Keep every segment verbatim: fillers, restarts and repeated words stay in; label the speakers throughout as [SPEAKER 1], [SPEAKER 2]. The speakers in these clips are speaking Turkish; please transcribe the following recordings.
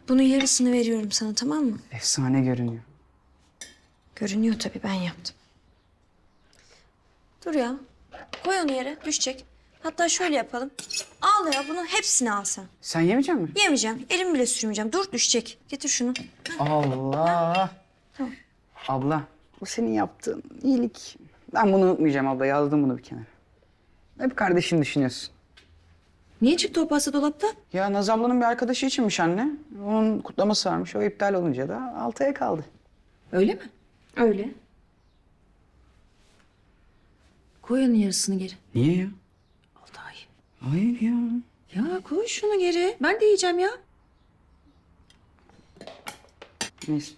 [SPEAKER 1] Bunun yarısını veriyorum sana, tamam mı?
[SPEAKER 2] Efsane görünüyor.
[SPEAKER 1] Görünüyor tabii, ben yaptım. Dur ya. Koy onu yere, düşecek. Hatta şöyle yapalım. Al ya, bunu hepsini al sen.
[SPEAKER 2] Sen yemeyecek misin?
[SPEAKER 1] Yemeyeceğim, elim bile sürmeyeceğim. Dur, düşecek. Getir şunu.
[SPEAKER 2] Allah.
[SPEAKER 1] Tamam.
[SPEAKER 2] Abla, bu senin yaptığın iyilik. Ben bunu unutmayacağım abla. Yazdım bunu bir kenara. Hep kardeşini düşünüyorsun.
[SPEAKER 1] Niye çıktı o pasta dolaptan?
[SPEAKER 2] Ya Naz ablanın bir arkadaşı içinmiş anne. Onun kutlaması varmış. O iptal olunca da altıya kaldı.
[SPEAKER 3] Öyle mi?
[SPEAKER 1] Öyle.
[SPEAKER 3] Koy onun yarısını geri.
[SPEAKER 2] Niye ya?
[SPEAKER 3] Altay.
[SPEAKER 2] Hayır ya.
[SPEAKER 3] Ya koy şunu geri. Ben de yiyeceğim ya.
[SPEAKER 2] Neyse.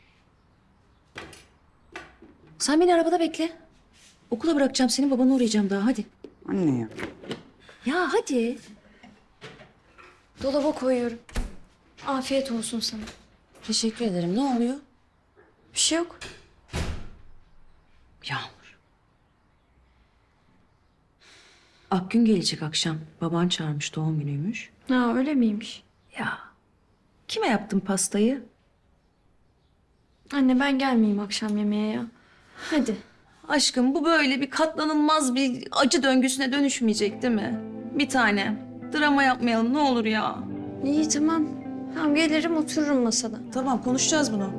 [SPEAKER 3] Sen beni arabada bekle. Okula bırakacağım seni, babana uğrayacağım daha, hadi.
[SPEAKER 2] Anne ya.
[SPEAKER 3] Ya hadi.
[SPEAKER 1] Dolaba koyuyorum. Afiyet olsun sana.
[SPEAKER 3] Teşekkür ederim. Ne oluyor?
[SPEAKER 1] Bir şey yok.
[SPEAKER 3] Yağmur. Akgün gelecek akşam. Baban çağırmış, doğum günüymüş.
[SPEAKER 1] Ha, öyle miymiş?
[SPEAKER 3] Ya kime yaptın pastayı?
[SPEAKER 1] Anne, ben gelmeyeyim akşam yemeğe ya. Hadi.
[SPEAKER 3] Aşkım, bu böyle bir katlanılmaz bir acı döngüsüne dönüşmeyecek değil mi? Bir tane. Drama yapmayalım ne olur ya.
[SPEAKER 1] İyi, tamam. Tamam, gelirim otururum masada.
[SPEAKER 3] Tamam, konuşacağız bunu.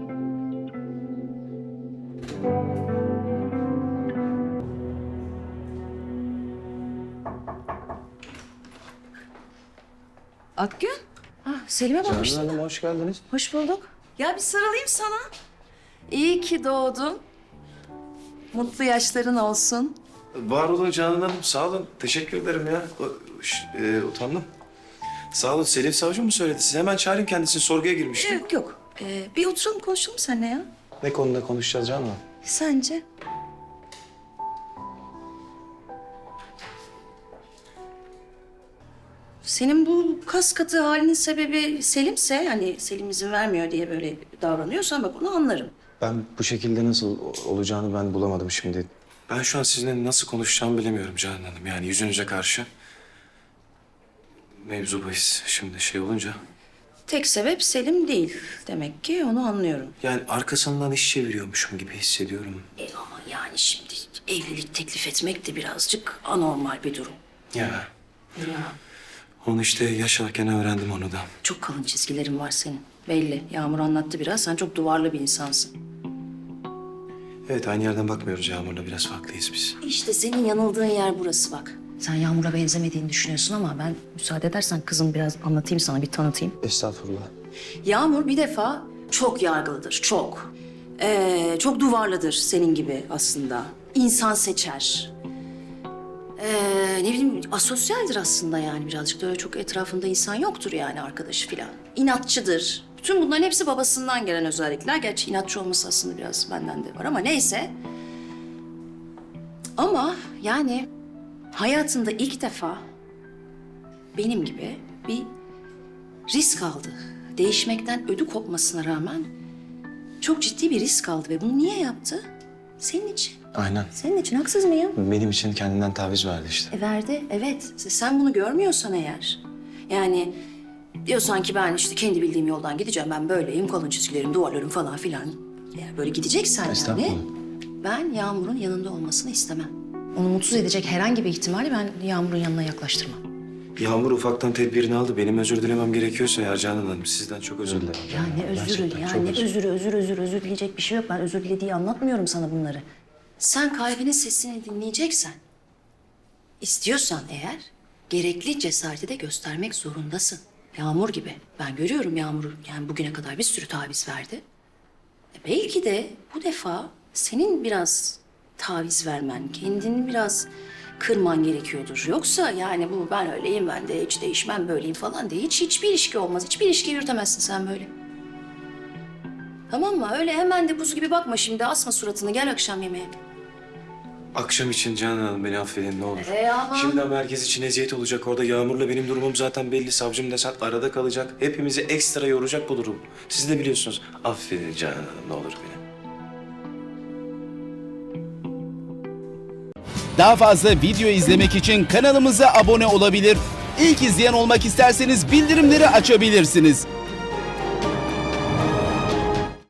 [SPEAKER 3] Akgün. Ah, Selim'e
[SPEAKER 4] Canan
[SPEAKER 3] bakmıştım.
[SPEAKER 4] Hanım hoş geldiniz.
[SPEAKER 3] Hoş bulduk. Ya bir sarılayım sana. İyi ki doğdun. Mutlu yaşların olsun.
[SPEAKER 4] Var olun Canan Hanım, sağ olun. Teşekkür ederim ya. O- ş- e, utandım. Sağ olun. Selim Savcı mı söyledi? Size hemen çağırayım kendisini. Sorguya girmişti.
[SPEAKER 3] Yok yok. Ee, bir oturalım konuşalım seninle ya.
[SPEAKER 4] Ne konuda konuşacağız Canan Hanım?
[SPEAKER 3] Sence? Senin bu kas katı halinin sebebi Selim'se, hani Selim izin vermiyor diye böyle davranıyorsan bak onu anlarım.
[SPEAKER 4] Ben bu şekilde nasıl o- olacağını ben bulamadım şimdi. Ben şu an sizinle nasıl konuşacağımı bilemiyorum Canan Hanım. Yani yüzünüze karşı. Mevzu bahis şimdi şey olunca.
[SPEAKER 3] Tek sebep Selim değil. Demek ki onu anlıyorum.
[SPEAKER 4] Yani arkasından iş çeviriyormuşum gibi hissediyorum.
[SPEAKER 3] E ama yani şimdi evlilik teklif etmek de birazcık anormal bir durum.
[SPEAKER 4] Ya.
[SPEAKER 3] Ya.
[SPEAKER 4] Onu işte yaşarken öğrendim onu da.
[SPEAKER 3] Çok kalın çizgilerin var senin. Belli. Yağmur anlattı biraz. Sen çok duvarlı bir insansın.
[SPEAKER 4] Evet, aynı yerden bakmıyoruz Yağmur'la. Biraz farklıyız biz.
[SPEAKER 3] İşte senin yanıldığın yer burası bak. Sen Yağmur'a benzemediğini düşünüyorsun ama ben müsaade edersen kızım biraz anlatayım sana, bir tanıtayım.
[SPEAKER 4] Estağfurullah.
[SPEAKER 3] Yağmur bir defa çok yargılıdır, çok. Ee, çok duvarlıdır senin gibi aslında. İnsan seçer. Ee, ne bileyim asosyaldir aslında yani birazcık da öyle çok etrafında insan yoktur yani arkadaşı filan. İnatçıdır. Bütün bunların hepsi babasından gelen özellikler. Gerçi inatçı olması aslında biraz benden de var ama neyse. Ama yani hayatında ilk defa benim gibi bir risk aldı. Değişmekten ödü kopmasına rağmen çok ciddi bir risk aldı ve bunu niye yaptı? Senin için.
[SPEAKER 4] Aynen.
[SPEAKER 3] Senin için haksız mıyım?
[SPEAKER 4] Benim için kendinden taviz verdi işte.
[SPEAKER 3] E verdi, evet. Sen bunu görmüyorsan eğer, yani diyorsan ki ben işte kendi bildiğim yoldan gideceğim, ben böyleyim, kalın çizgilerim, duvarlarım falan filan. Eğer böyle gideceksen yani,
[SPEAKER 4] Estağfurullah.
[SPEAKER 3] ben Yağmur'un yanında olmasını istemem. Onu mutsuz edecek herhangi bir ihtimali ben Yağmur'un yanına yaklaştırmam.
[SPEAKER 4] Yağmur ufaktan tedbirini aldı. Benim özür dilemem gerekiyorsa eğer Canan Hanım sizden çok özür dilerim.
[SPEAKER 3] Ya ne özürü,
[SPEAKER 4] Gerçekten
[SPEAKER 3] ya
[SPEAKER 4] çok
[SPEAKER 3] ne
[SPEAKER 4] özür-
[SPEAKER 3] özürü, özür, özür, özür dileyecek bir şey yok. Ben özür dilediği anlatmıyorum sana bunları. Sen kalbinin sesini dinleyeceksen, istiyorsan eğer, gerekli cesareti de göstermek zorundasın. Yağmur gibi. Ben görüyorum Yağmur'u, yani bugüne kadar bir sürü taviz verdi. E belki de bu defa senin biraz taviz vermen, kendini biraz kırman gerekiyordur. Yoksa yani bu ben öyleyim, ben de hiç değişmem, böyleyim falan diye hiç hiçbir ilişki olmaz. Hiçbir ilişki yürütemezsin sen böyle. Tamam mı? Öyle hemen de buz gibi bakma şimdi. Asma suratını. Gel akşam yemeğe.
[SPEAKER 4] Akşam için Canan Hanım beni affedin ne olur.
[SPEAKER 3] E ama-
[SPEAKER 4] Şimdiden herkes için eziyet olacak orada. Yağmur'la benim durumum zaten belli. Savcım desen arada kalacak. Hepimizi ekstra yoracak bu durum. Siz de biliyorsunuz. Affedin Canan Hanım ne olur beni.
[SPEAKER 5] Daha fazla video izlemek için kanalımıza abone olabilir. İlk izleyen olmak isterseniz bildirimleri açabilirsiniz.